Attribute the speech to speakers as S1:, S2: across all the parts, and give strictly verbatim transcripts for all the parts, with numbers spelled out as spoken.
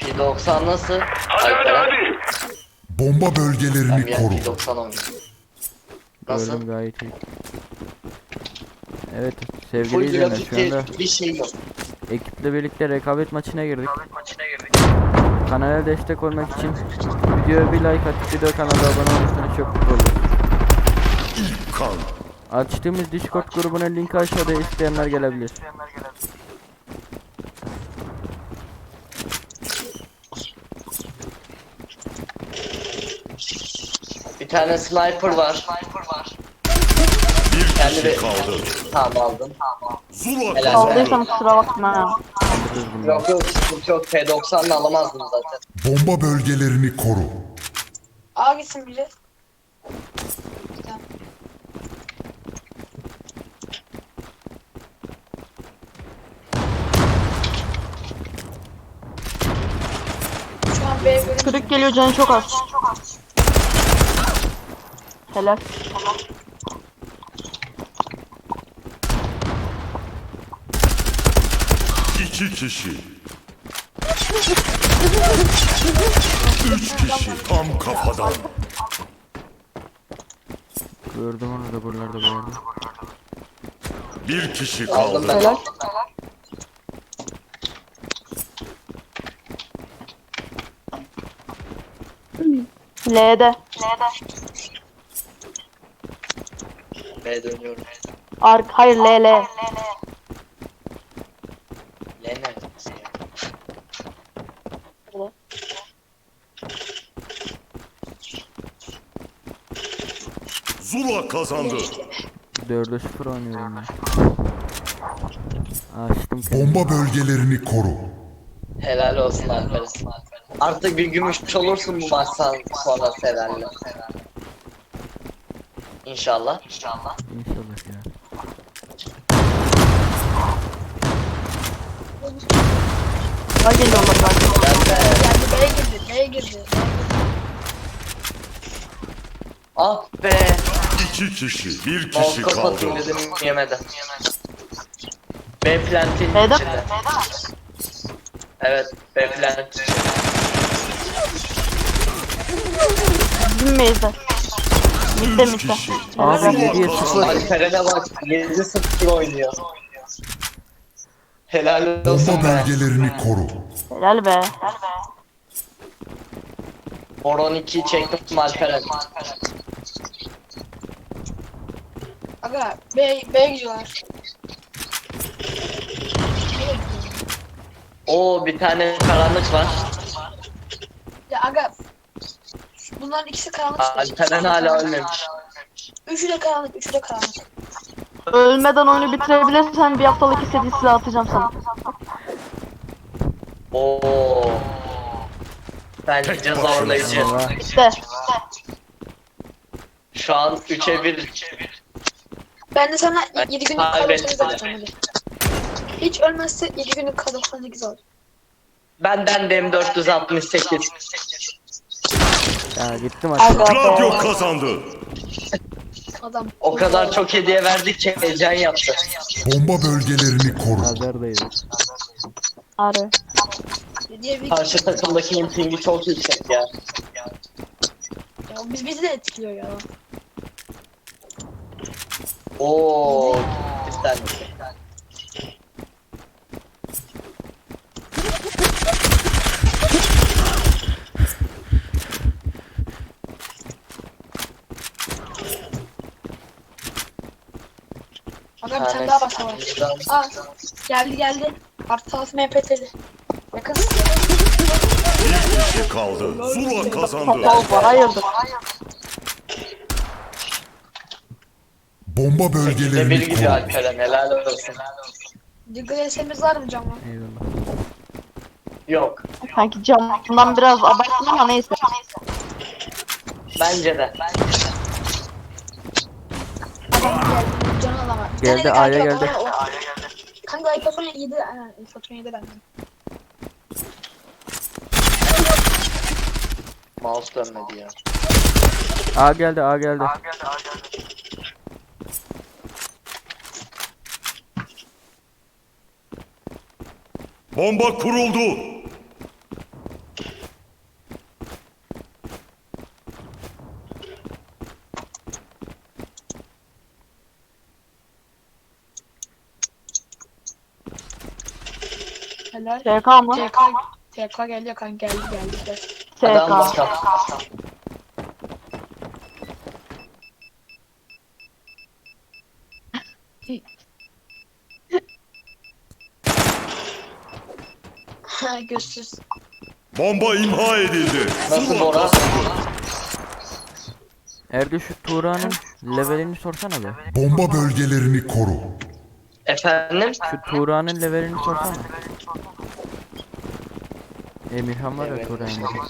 S1: P doksan nasıl?
S2: Hadi hadi hadi.
S3: Bomba bölgelerini
S1: Ben
S3: koru.
S1: P doksan oynuyorum. Nasıl?
S4: Gördüm gayet iyi. Evet sevgili
S1: Full
S4: izleyenler, şu anda
S1: grafik bir şey yok.
S4: ekiple birlikte rekabet maçına girdik. Kanala destek olmak için videoya bir like atıp video kanala abone olursanız çok mutlu oluruz.
S2: Kan.
S4: Açtığımız Discord grubunun linki aşağıda, isteyenler gelebilir.
S1: Bir tane sniper var.
S2: Bir
S1: Kendi
S2: kişi
S1: bir-
S2: kaldı.
S1: Tamam aldım.
S2: Zula
S1: Helal.
S2: kazandı.
S5: Aldıysam kusura bakma ha.
S4: Kaldırırız bunu.
S1: Yok yok sıkıntı yok. P doksanla alamazdım zaten.
S3: Bomba bölgelerini koru.
S6: A gitsin biri. Şu an B bölüm.
S5: Kırık geliyor, canı çok az. Helal.
S2: İki kişi. Üç kişi tam kafadan.
S4: Gördüm onu da buralarda bu arada.
S2: Bir kişi
S1: Aldım
S2: kaldı.
S1: ben.
S5: Helal. L'de.
S1: B dönüyorum.
S5: Ark, hayır L L.
S1: L neredeyse ya?
S2: Zula kazandı.
S4: dörde sıfır oynuyorum ben. Açtım kendimi.
S3: Bomba bölgelerini koru.
S1: Helal olsun Alper'e. Artık bir gümüş olursun bu maçtan sonra Sever'le. İnşallah. İnşallah.
S4: İnşallah ya.
S5: Daha geliyorlar bak.
S6: Geldi B'ye girdi. B'ye girdi.
S1: Ah be.
S2: İki kişi. Bir kişi
S1: Balkon
S2: kaldı.
S1: atayım dedim yemedi. B plantin
S5: B'de.
S1: içinde. Evet B plant.
S5: Bizim meyze. Mitte
S2: Üç
S5: mitte.
S2: kişi.
S4: Abi
S2: Zula
S4: yediye
S2: kazandı.
S4: sıfır.
S1: Alperen'e bak yedi sıfır oynuyor. Helal olsun
S3: Bomba
S1: be.
S3: bölgelerini koru.
S5: Helal be.
S1: Horon ikiyi çektim Alperen.
S6: Aga B, B'ye gidiyorlar.
S1: Oo bir tane karanlık var.
S6: Ya aga. Bunların ikisi karanlık.
S1: Alperen hala ölmemiş.
S6: Üçü de karanlık. Üçü de karanlık.
S5: Ölmeden oyunu bitirebilirsen bir haftalık istediğin silah atacağım sana.
S1: Oo. Bence
S2: Tek
S1: zorlayıcı.
S4: başına.
S5: İşte.
S1: Şu an üçe bir.
S6: Ben de sana yedi günlük K
S1: kaybettim.
S6: doksan sekiz atacağım hadi. Hiç ölmezse yedi günlük K doksan sekiz al.
S1: Benden de M dört yüz altmış sekiz.
S4: Ya gittim
S5: Aga
S4: aşağı.
S2: Gladio
S5: be.
S2: kazandı.
S6: Adam.
S1: O kadar çok hediye verdik ki heyecan yaptı.
S3: Bomba bölgelerini koru.
S4: Nazardayız.
S5: Arı.
S6: Diye bir
S1: Karşı takımdaki pingi çok yüksek ya.
S6: ya biz bizi de etkiliyor ya.
S1: Oo. Güzel.
S6: Aga bir tane daha başla var. Aa geldi geldi. Artı altı M P T'li. Yakın.
S2: Bir kişi kaldı. Zula kazandı.
S5: Topal var, hayırdır.
S3: Bomba
S1: Bir bir
S3: bölgelerini
S1: gidiyor
S3: koru.
S1: Alperen helal olsun.
S6: Diggle S M'imiz var mı canım?
S4: Eyvallah.
S1: Yok.
S5: Sanki camdan biraz abarttın ama neyse.
S1: Bence de.
S6: Adam geldi. Canı alama. Bir
S4: Geldi,
S6: tane de
S4: A'ya
S6: kanka
S4: geldi.
S6: var, o- Kanka iPhone yedi. Ha, iPhone yedi bende.
S1: Mouse dönmedi ya.
S4: A geldi, A geldi.
S2: Bomba kuruldu.
S6: Helal.
S5: S K mı?
S6: T K T K geldi kanka geldi geldi. geldi.
S5: S
S1: Adam
S5: K.
S1: bakalım.
S6: Ha gözsüz.
S2: Bomba imha edildi.
S1: Nasıl
S2: Zula
S1: Bora?
S2: kazandı.
S4: Erdi şu Tuğra'nın levelini sorsana be.
S3: Bomba bölgelerini koru.
S1: Efendim?
S4: Şu Tuğra'nın levelini sorsana. Emirhan var ya
S1: Evet.
S4: Tuğra Emirhan.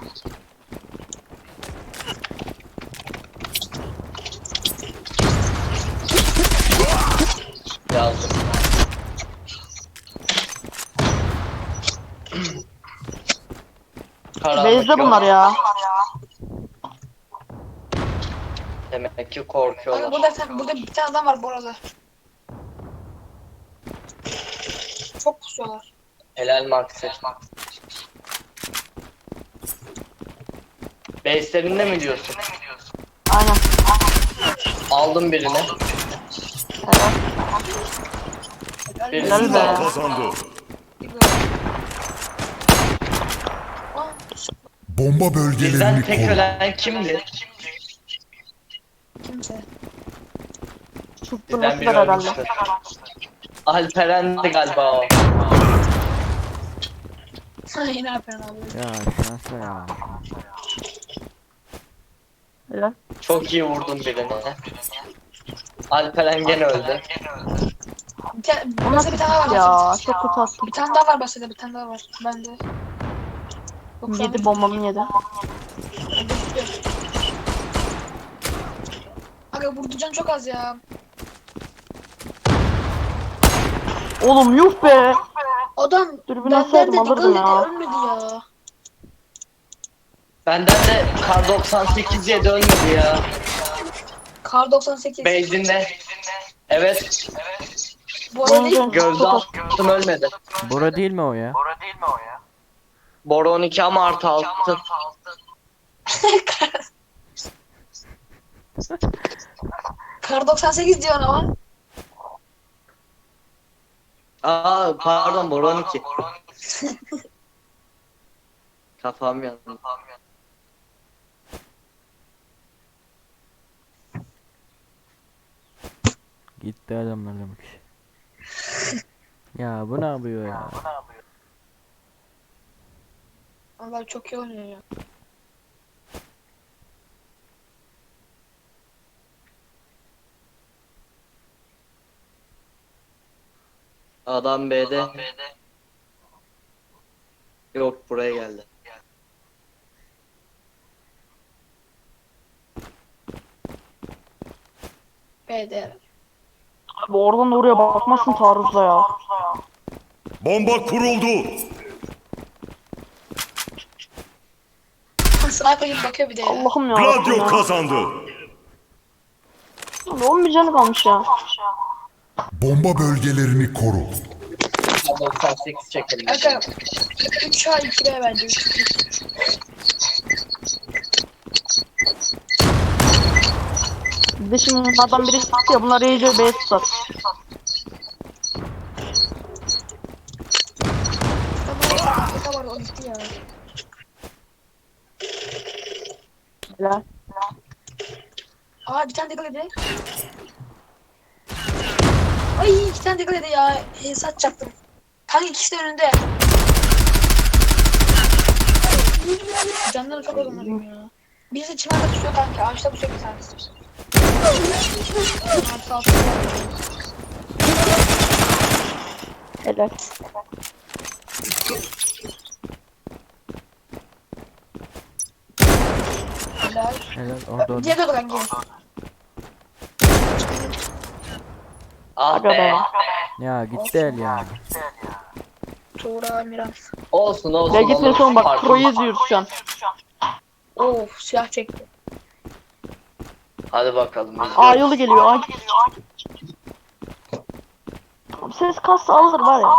S1: Yazdım. Karanlık
S5: Base'de
S1: yok.
S5: bunlar ya.
S1: Demek ki
S6: Kanka
S1: korkuyorlar.
S6: burada, bir tane- burada bir tane adam var bu arada. Çok pusuyorlar.
S1: Helal Maxi. Base'lerinde mi diyorsun?
S5: Aynen.
S1: Aldım birini.
S5: Helal.
S1: Birini
S5: Helal be.
S2: Zula kazandı.
S6: Aa,
S3: Bomba
S1: Bizden
S3: bölgelerini
S1: tek
S3: koru.
S1: ölen kimdi?
S6: kimse.
S1: Bizden
S5: Susturmasıdır
S1: biri
S5: herhalde.
S1: ölmüştür. Alperen'di galiba o.
S6: Yine yapıyorsun abi.
S4: Ya şansa ya.
S5: Helal.
S1: Çok iyi vurdum birini. Alperen gene öldü.
S6: Bir tane,
S5: O
S6: mesela
S5: nasıl
S6: bir tane daha var.
S5: ya?
S6: Basede.
S5: Çok kötü attım.
S6: Bir tane daha var basede, bir tane daha var. Bende. Yok, şu an
S5: Yedi bombamı yedi.
S6: gözüküyor. Aga vurdu can çok az ya.
S5: Oğlum yuh be.
S6: Adam
S5: Dürbün
S6: benden
S5: alsaydım
S6: de
S5: alırdım
S6: dikkat
S5: ya.
S6: etti, ölmedi ya.
S1: Benden de Kar doksan sekiz yedi ölmedi ya.
S6: Kar doksan sekiz.
S1: Base'inde. Evet.
S6: Bu arada değil.
S5: Oyuncu
S1: Gözde
S5: çok az.
S1: attım ölmedi.
S4: Bora değil mi o ya?
S1: Bora on iki ama artı altı.
S6: Kar doksan sekiz diyor ama.
S1: Aa pardon Bora on iki. Kafam yandı.
S4: Gitti adamlar demek ki. Ya bu ne yapıyor ya?
S6: Allah çok iyi oynuyor ya.
S1: Adam B'de. Yok buraya geldi.
S6: B'de.
S5: Abi oradan da oraya bakmasın taarruzla ya.
S2: Bomba kuruldu.
S6: Sniper gibi bakıyor bir de ya.
S5: Allah'ım ya.
S2: Gladio
S5: ya.
S2: kazandı.
S5: Abi on bir canı kalmış ya.
S3: Bomba bölgelerini koru.
S1: Kar doksan sekiz çekelim.
S6: Aga üç A iki B bence. üç iki.
S5: Bir de şimdi bunlardan biri çıktı ya, bunlar iyice base tutar.
S6: Afrika var o gitti ya.
S5: Helal.
S6: Aa bir tane dikkat edin. Ay iki tane dikkat edin ya. Hesat çaktım. Kanka ikisi de önünde. Canları çok az onların ya. Birisi çimende tutuyor kanka. Ağaçta tutuyor bir tanesi. Artı altı.
S5: Helal.
S6: Helal.
S4: Helal orada orada.
S6: Diğer de kanka.
S1: Ah
S5: Aga be.
S1: be.
S4: Ya gitti el ya.
S6: Tuğra Miran.
S1: Olsun olsun.
S5: Ya gitme son bak,
S1: Farklı.
S5: pro'yu izliyoruz şu an.
S6: Of silah çekti.
S1: Hadi bakalım. biz
S5: A
S1: de-
S5: yolu geliyor. A. Abi ses kassa alır var ya.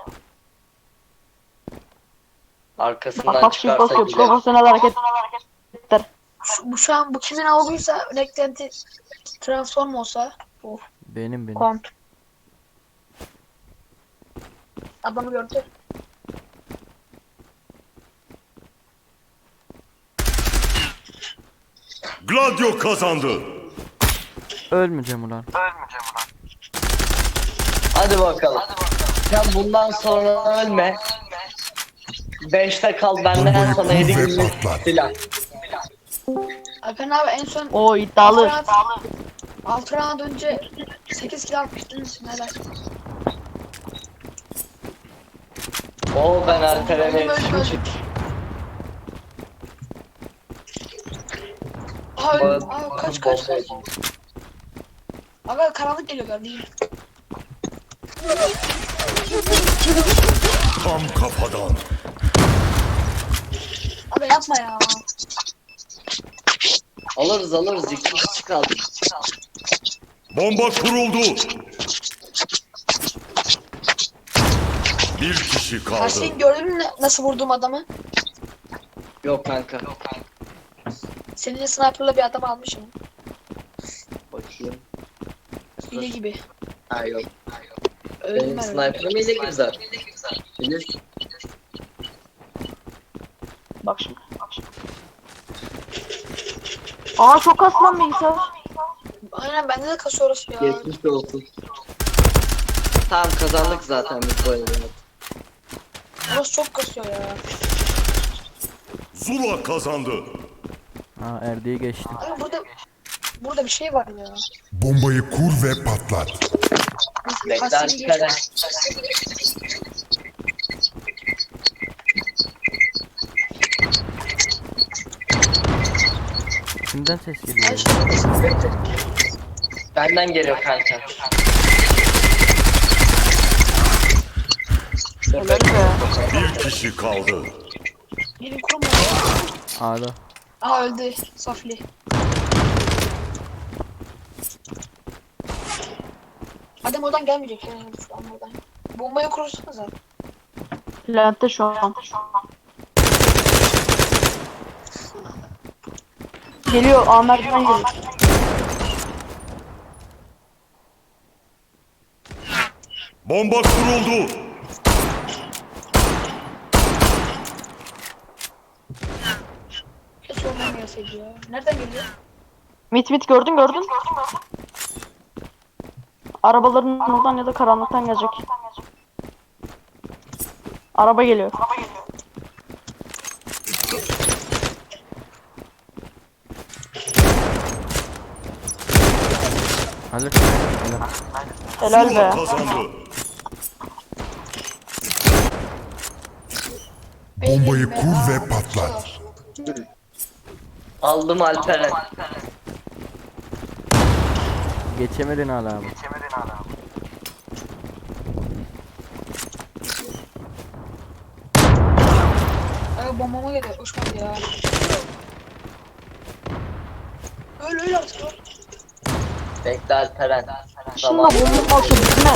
S1: Arkasından
S5: Bak bak şimdi
S1: çıkarsa
S5: basıyor.
S1: güzel.
S5: Profesyonel hareketler.
S6: Şu, bu şu an bu kimin aldıysa beklenti transform olsa. Of.
S4: Benim benim.
S6: Kont. Adamı gördü.
S2: Gladio kazandı.
S4: Ölmeyeceğim ulan.
S1: Hadi bakalım. Sen bundan sonra ölme. Beşte kal benden
S3: Bombayı
S1: sonra
S3: kur
S1: yedi
S3: ve
S1: günlük
S3: patlat.
S1: silah.
S6: Alperen abi en son
S5: O iddialı.
S6: altı round önce sekiz kill atmıştınız. Neler?
S1: Oo ben Alperen'e
S6: Öldüm, öldüm,
S1: yetişmişim.
S6: öldüm. Aa öldüm. Aa kaç kaç kaç. Aga karanlık geliyor kardeşim.
S2: Tam kafadan.
S6: Aga yapma ya.
S1: Alırız alırız iki kişi kaldı.
S2: Bomba kuruldu. Bir kişi kaldı.
S6: Karşıyı gördün mü nasıl vurdum adamı?
S1: Yok kanka.
S6: Seninle sniper'la bir adam almışım.
S1: Bakayım.
S6: Hile gibi.
S1: Ha yok.
S6: Öldüm
S1: Benim
S6: ben.
S1: sniper'ım ile güzel. Bilirsin.
S5: Bak şimdi. Bak şimdi. Aa çok aslan bilgisayar.
S6: Aynen bende de kasıyor orası ya.
S1: Geçmiş olsun. Tamam kazandık zaten biz bu oyunu.
S6: Orası çok kasıyor ya.
S2: Zula kazandı.
S4: Ha Erdi'yi geçtim.
S6: Aga burada burada bir şey var ya.
S3: Bombayı kur ve patlat.
S1: Bekle
S6: Kasayı
S1: Alperen.
S4: Kimden ses geliyor?
S6: Ay şimdi
S1: Benden geliyor kanka.
S5: Helal be.
S2: Bir kişi kaldı.
S6: Gelin kurma.
S4: A'da.
S6: Aha öldü. Safli. Adam oradan gelmeyecek ya. Şu an oradan. Bombayı kurursanız abi.
S5: Lente şu an. Geliyor Ahmet'ten geliyor.
S2: Bomba kuruldu.
S6: Hiç oradan gelseydi ya. Nereden geliyor?
S5: Mit mit gördün gördün. Arabaların oradan ya da karanlıktan gelecek. Araba geliyor.
S4: Hallet.
S5: Helal
S2: Zula
S5: be.
S2: kazandı.
S3: Bombayı kur ve patlat.
S1: Aldım Alperen.
S4: Geçemedin hala abi.
S6: Aga bombama geliyor. Uçmadı ya. Öl öl artık öl.
S1: Bekle Alperen.
S5: Şunla
S1: Tamam.
S5: bomba olsa bitme.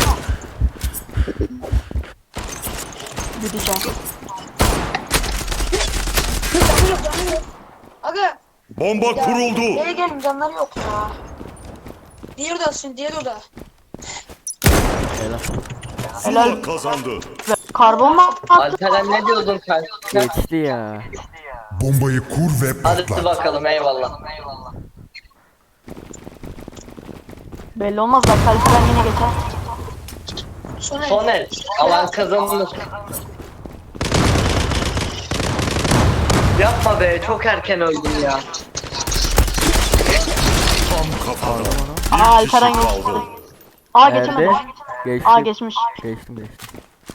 S5: Gideceğim.
S6: Canları yok canları yok. Aga.
S2: Bomba
S6: Ya,
S2: kuruldu.
S6: Nereye gelin canları yok ya. Diğer odasın diğer oda.
S4: Helal.
S2: Zula kazandı.
S5: Karbon mu attı?
S1: Alperen ne diyordun kanka?
S4: Geçti ya.
S3: Bombayı kur ve
S1: Hadi
S3: patlat.
S1: bakalım eyvallah.
S5: Belli olmaz bak Alperen yine geçer.
S6: Sonra
S1: Son el. Alan kazanılır. Yapma be çok erken öldün ya.
S2: Tam kafadan.
S5: Aa
S2: Bir
S5: Alperen
S2: kişi
S5: geçti.
S2: kaldı.
S5: Aa
S4: Erdi.
S5: geçemedi.
S4: Geçti.
S5: Aa geçmiş.
S4: Geçtim geçtim.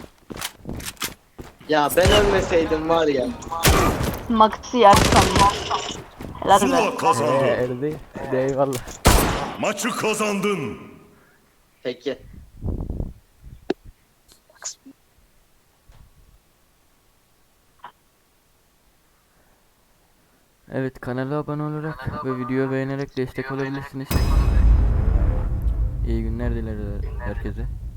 S1: Ya ben ölmeseydim var ya.
S5: Maxi yer sandım. Helal be.
S2: Zula
S4: Ee,
S2: kazandı.
S4: Erdi. Hadi eyvallah.
S2: Maçı kazandın.
S1: Peki.
S4: Evet, kanala abone olarak ve videoyu beğenerek destek olabilirsiniz. İyi günler dileriz herkese.